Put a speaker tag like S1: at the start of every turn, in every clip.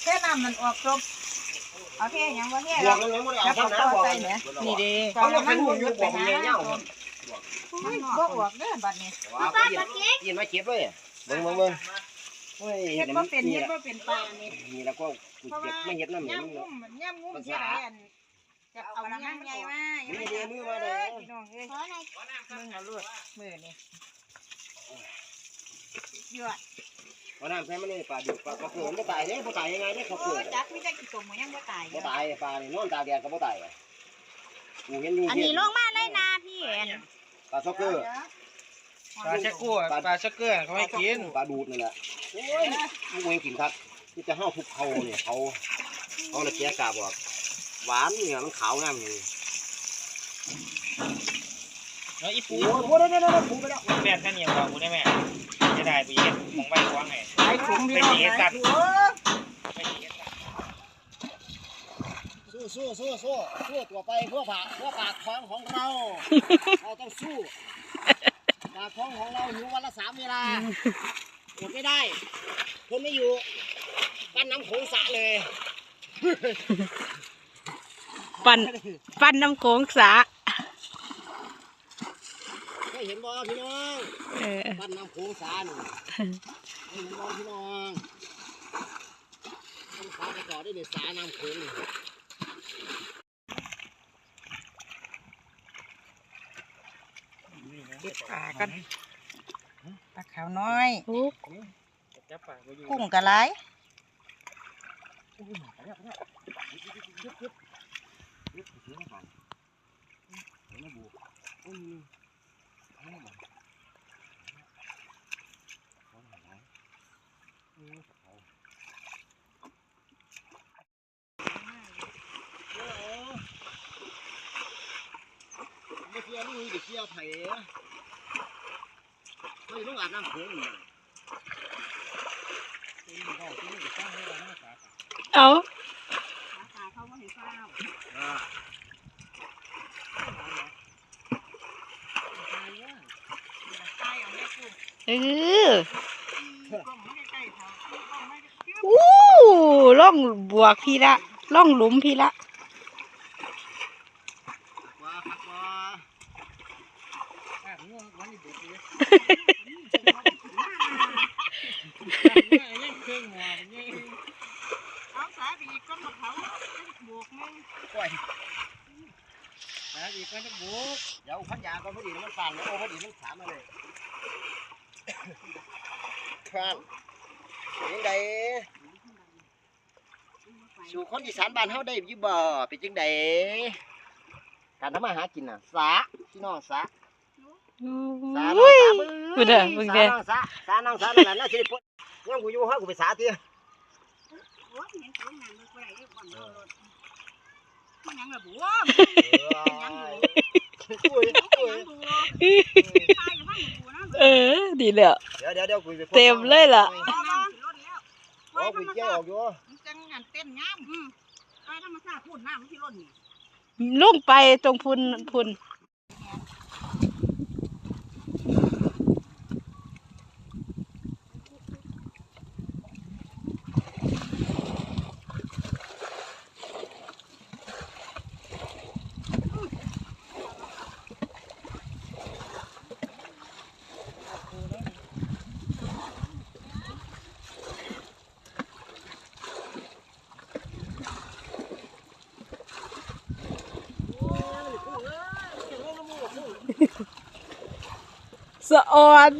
S1: ท่น้ำมันออกจบเอาเท่ยังว่าเท่
S2: บวกแล้วไม่ได้เอาทำน้ำบวกนี่ดีเขาเราเป็นหุ่นยุบบอกเงี้ยเงี้ย
S1: บ่ออกเด้อบัดนี้
S2: ยินมาเก็บเลยเบิ่ง
S1: เฮ็ดบ่เป็นเฮ็ดบ่เป็นปลานี่
S2: นี่แล้วก็เก็บไม่เห็ดน้ำ
S1: ย่ำงุ่มเสียดายอันจะเอาย่ำใหญ่มา
S2: นี่เดี๋ยวมือมาเลย
S1: พี่น้องเอ้ยมึงเอาลวดมือนี่ยอด
S2: วันนั้นแพ้มันนี่ปลาดุกปลากระเพื่อมไม่ตายเนี่ยไม่ตายยังไงเนี่ยเขาเกิด
S1: จักไม่ได้กี่ตัวมันยังไม่ตาย
S2: ไม่ตายปลาเนี่ยนอนตาแดดก็ไม่ตายกูเห็นอยู่
S3: อันนี้ลงมาเลยนะพี่
S2: ปลาช็อกเกอร์
S4: ปลาชักกู้ปลาชักเกอร์เขาให้กิน
S2: ปลาดูดนี่แหละโอ้ยมึงเองกินครับที่จะห้าวทุกเขาเนี่ยเขาเลยแกะกาบอกหวานเนี่ยมันขาวงามเลย
S4: แล้วอีปู
S2: โอ้ยได้ปูไปแล้ว
S4: แม่ท่านเนี่ยบอกกูได้แม่จะได้ไปเย็นมองใบกว้างไง
S1: ไอ้ถุงพี่น้องไอ้ถุง
S2: สู้ตัวไปเพื่อปากท้องของเราเราต้องสู้ปากท้องของเราหิววันละ3 เวลาอดไม่ได้ทนไม่อยู่ปั้นน้ำโขงสะเลย
S3: ปั้นน้ำโขงสะ
S2: ได้เห็นบ่พี่น้องปั้นน้ำโขงสะนี่เห็นบ่พี่น้องต้องพาไปต่อได้ในสาน้ำโขงนี่
S1: เก็บปลากันปลาขาวน้อยกุ้งกะไร
S2: ไม่เชื่อนี่เดี๋ยวเชื่อไผ่ไม่ต้องอาบน้ำโขง
S3: เอา
S1: เขาไม่เห็นเปล่า
S3: ล่องบวกพี่ละล่องหลุมพี่ละ
S1: เอาสาบีก้นมะพร้าวบวกมึง
S2: ก้อยอีกก็จะบุกเดี๋ยวพันยาก็พอดีมันสั่นแล้วพอดีมันถามมาเลยครับยังไงสู่คนอีสานบ้านเฮาได้อยู่บ่เป็นจังไดการทำมาหากินน่ะสาพี่น้องสา
S3: สาน้องสาบึ้งเด้อบึ้งเด้อ
S2: สาน้องสานั่นน่ะสิพุ่นยังกูอยู่ฮะกูไปสาเตี้ย
S1: โอ้ยยังสูงนั่นบ่ได้เด้อก่อนเอารถมันยังละบัวยังอยู่
S3: ดีแล้ว
S2: เดี๋ยวกูไป
S3: เต็มเลยล่ะ
S2: โอ้กูเกี่ยวออกอยู่
S1: จังงานเต้นงามไปธรรมชาติพูดน้ำที่ล้นนี่
S3: ลงไปตรงพุ่นสะออน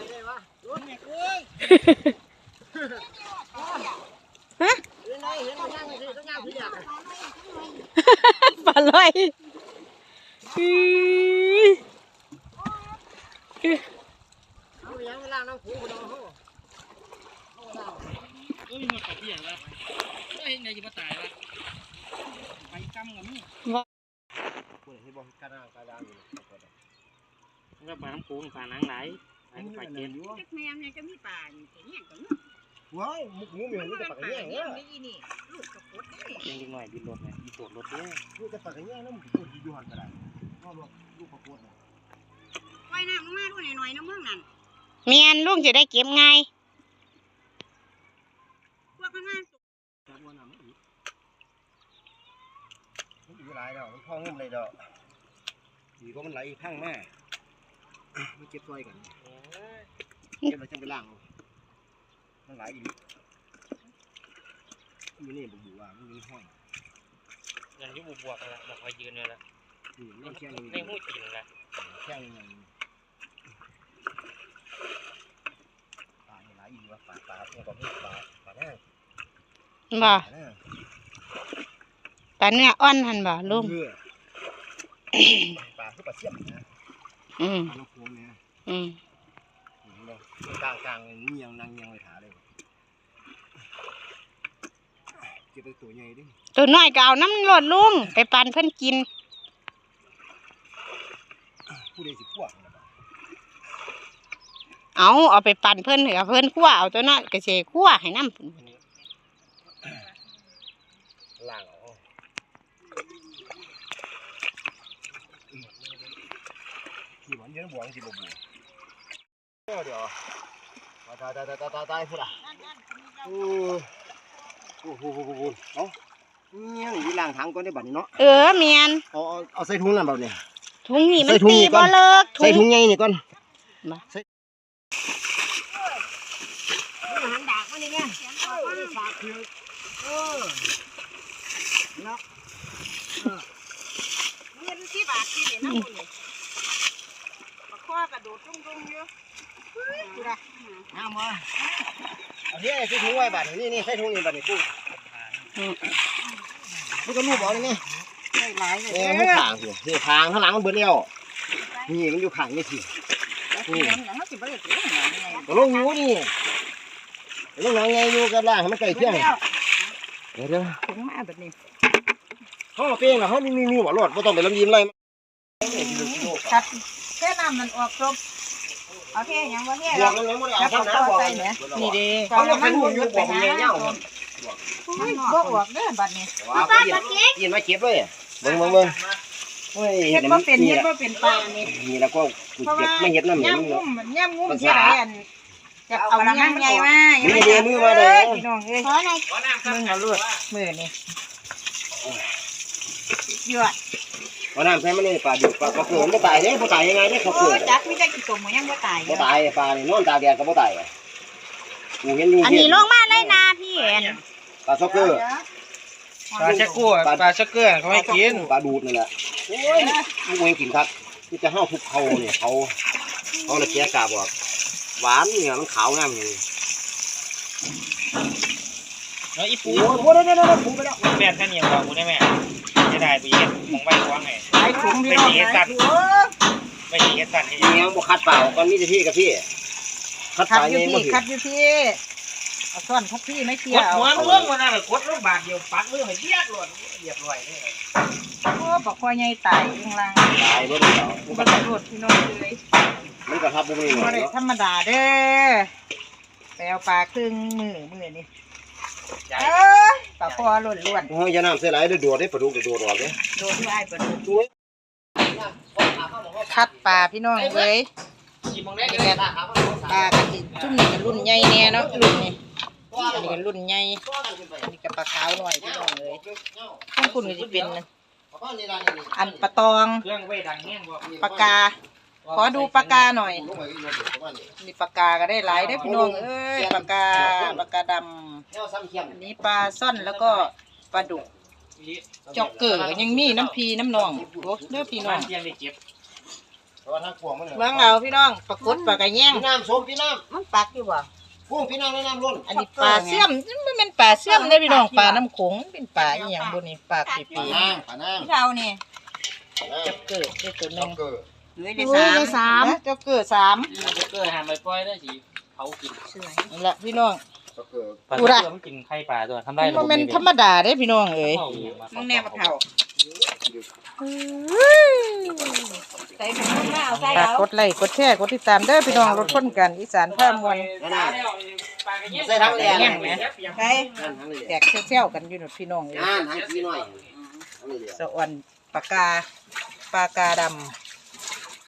S3: ฮะปลาลอย
S4: ก็ปลาน้ำปูปลาหนังไหลปลาเจ็ด
S1: แม่เนี่ยจะมีป่าเนี่ยก็
S2: ว้ายมุกงูเหมือนนี่จะปากแง่เนี่ย
S1: นี่ลูกกระปุก
S4: นี่ยังหน่อยบินรถเนี่ยบินโดดรถเนี่ย
S2: ลูกจะปากแง่แล้วมึงตัวดีอยู่หันกระดาษก็ลูกกระปุกเนี่ย
S1: ไว้น้ำลงมาด้วยหน่อยนะมึงนั่น
S3: เมียนลุงจะได้เก็บไง
S1: พวกข้างหน้า
S2: หลายดอกมันพ่องุ่มเลยดอกดีก็มันไหลข้างแม่ไม่เก็บซอยกันเก็บแล้วจังไปล้างมันไหลอีกมันนี่บุบว่ามันมีห้อย
S4: อย่างที่บวกกันละบอกว่ายืนเนี่ยละ
S2: นี่แค่
S4: ในหูจริงละ
S2: แค่ยังปลาไหลอีกว่าปลาตัวนี้ปลาแน่
S3: บ่ปลาเนื้ออ่อนหั่นบ่ลุง
S2: ปลาคือปลาเสียบนะ
S3: อืม
S2: ปลาลูกโป่งเนี่ย
S3: อืม
S2: กลางเงียงนางเงียงเลยถาเลยเก็บไปตัวใหญ่ดิ
S3: ตัวน้อยก็เอาน้ำรดลุงไปปั่นเพิ่นกิน
S2: ผู้ใดสิพวก
S3: เอาไปปั่นเพิ่นเหรอเพิ่นคั่วเอาตัวน้อยก็สิคั่วให้น้ำ
S2: ล่างออกที่หวานเยอะบวงสิบวงเดี๋ยวตายพูดอ่ะโอ้โหเอ้าเนี่ยนี่ล้างถังก่อนได้บัดนี้เนาะ
S3: เมียน
S2: เอาใส่ถุงนั่นแบบนี้
S3: ถุงนี่มัน
S2: ใส่ถุง
S3: ตี
S2: นี่ก่
S3: บ่
S2: อน
S3: เลิก
S2: ใส่ถุงใหญ่นี่ก่อน
S1: หันดากมานี่แม่ฝากคือเนาะเงินที่บาทที่นี่น้ำมันนี่ปลาข้อกระโดดรุ่งๆอยู่ดูนะ
S2: เอามาเอาที่ใส่ถุงไว้บัดนี่ใส่ถุงนี่บัดนี้ปุ๊บมันก็รูปเอาเลยนี่
S1: ได้หลายเลย
S2: มันขางสินี่ขางข้างหลังมันเบิดแล้วนี่มันอยู่ขางนี่สิ
S1: นี่อย่างนั้นสิบ่ได้ถือหยังไง
S2: ก็ลงอยู่นี่ลงหลังไงอยู่กันล่างให้มันใกล้เคียงเดี๋ยว
S1: ถึงมาแบบนี้
S2: เขาเป้งนะเขามีหัวรถไม่ต้องไปลำยิ้มไร
S1: ตัดแค่น้ำมันออกครบโอเคยังว่าแค่
S2: บว
S1: เรา
S2: กแล้วไม่ได้
S1: แล้ว
S2: เอา
S1: ก็
S2: ข้างหน้า
S1: เข้า
S2: บอก
S1: ใส่เนี่ย
S3: นี่เด้
S2: เขาจะเป็นหุ่นอยู่บอกผมเงี้ย
S1: บ่ออกเด้อบัดนี้
S2: ว้าวยินมาเก็บเลยเบิ่งเฮ้ย
S1: เฮ็ดบ่เป็นเฮ็ดบ่เป็นปลานี่
S2: นี่แล้วก็เก็บไม่เห็ดน้ำเหนียว
S1: ย่ำงุ้มเท่าไหร่อันจะเอาย่ำใหญ่มา
S2: นี่เดียวมือมาเลย
S1: พี่น้องเอ้ยมึงเอาลวดมือนี่ยั่ว
S2: วันนั้นใช้มันนี่ปลาดุปลากระเพื่อมไม่ตายเนี่ยไม่ตายยังไงเนี่ยเขา
S1: โอ้
S2: เกิด
S1: จักมีแต่กี่ตัวมันยังบ่ตาย
S2: ไม่ตายปลาเนี่ยนอนตาแดดก็ไม่ตายกูเห็นอยู่
S3: อันนี้ลงมาเลยนะพี่เอ็น
S2: ปลาช็อกเกอร์
S4: ปลาชักกู้ปลาชักเกอร์เขาให้กิน
S2: ปลาดูดนี่แหละโอ้ยมึงเองกินครับที่จะห้าวทุกเขาเนี่ยเขาเลยแกะกาบบอกหวานเนี่ยมันขาวงามเลย
S4: แล้วอีปู
S2: โอ้โหเดี๋ยวปูไปแล้ว
S4: แม่ท่านเนี่ยบอกกูได้แม่จะได้ไปเย็นมองไว้กว้างไง
S1: หลายถุงพี่น้องหลายถุง
S4: ไม่ใช่เย็นสั่นให้
S2: นี่ยังบ่คัดเปล่าก่อนมีแต่พี่กับพี่คัด
S1: คัด
S2: สาย
S1: อยู่
S2: นี่
S1: พี่
S2: บ่
S1: คัดอยู่พี่เอาซ่อนคัดพี่ไม่เกี่
S4: ก
S1: ย
S4: ด
S1: ว
S4: หัวเรื่องมันน่ะกดลูกบาทเดียวปักเรื่องให้เยียดหลดเหยียบลอยนี่
S1: โอ้บอกว่าใหญ่ตายข้างล่าง
S2: ตายบ่ได้แล้ว
S1: บ่ได้รวดพี่น้องเลย
S2: มันก็ทับบ่มีห
S1: บ่
S2: น่อย
S1: ได้
S2: เนาะ
S1: ธรรมดาเด้อไปเอาปลาครึ่งมือนี่ปลาคอล้วน
S2: เฮ้ยอย่าน้ำใส่หลายเดี๋ยวโดดได้ปลาดุกเดี๋ยวโดดออกเด้
S1: ๆโดนที่ไอ้ปลาดุกคัดปลาพี่น้องเอ้ย
S4: กี่มองได้
S1: นี่แหละปลากระติชุ่มนี่ก็รุ่นใหญ่แน่เนาะรุ่นนี้อันนี้ก็รุ่นใหญ่อันนี้ก็ปลาขาวหน่อยพี่น้องเอ้ยข้างคุณก็จะเป็นอันปลาตอง
S4: เครื่องไว้ดังแห้งบ่
S1: ปลากาขอดูปลากาหน่อยมีปลากาก็ได้หลายได้อพี่น้องเอ้ยปลากาดำอันนี้ปลาซ่อนแล้วก็ปลาดุกจอกเกิดยังมีน้ำพีน้ำนองโอ้เด้อพี่น้อง
S4: เพียงได้เจ็บ
S2: เพราะว่าทางพวงมัน
S1: เบิ่งเอาพี่น้องปลากดปลากระแยง
S2: พี่น้ำสมพี่น้
S1: มันปักอยู่บ่
S2: ำพวงพี่น้ำแนะนำล้น
S1: อันนี้ปลาเสี่ยมมันเป็นปลาเสี่ยมได้อพี่น้องปลาน้ำโขงเป็นปลาอีหยังบ่นี่ปลาปี
S2: ปลานางปลานาง
S1: ๆเรานี่จอกเกิดได้ตัวหนึง
S2: เกิด
S1: ได้สามจอกเกิด3
S4: ชักเกอร์หามไปปล่อยได้สิเผากิน
S1: นั่นแหละพี่น้อง
S2: เกิด
S4: ปลาชักเกอร์มันกินไข่ปลาตัวทำได้
S1: มันเป็นธรรมดาเด้อพี่น้องเอ้ย
S4: มึงแน่มาเผา
S1: ใส่ถุงมาเอาใส่
S3: ฝาก
S1: เอา
S3: กดไลค์กดแชร์กดติดตามเด้อพี่น้องรถพ้นกันอีสานผ้ามวล
S2: ใส่ทั้งแดง
S1: ใส่
S2: นั่นทั้งเลย
S3: แตกเซี่ยวๆกันอยู่หนุดพี่น้องเอ้ย
S2: นั่นทั้งพี่น้อยทั้งนี้เดียว
S3: สะอ่อนปากกาดำ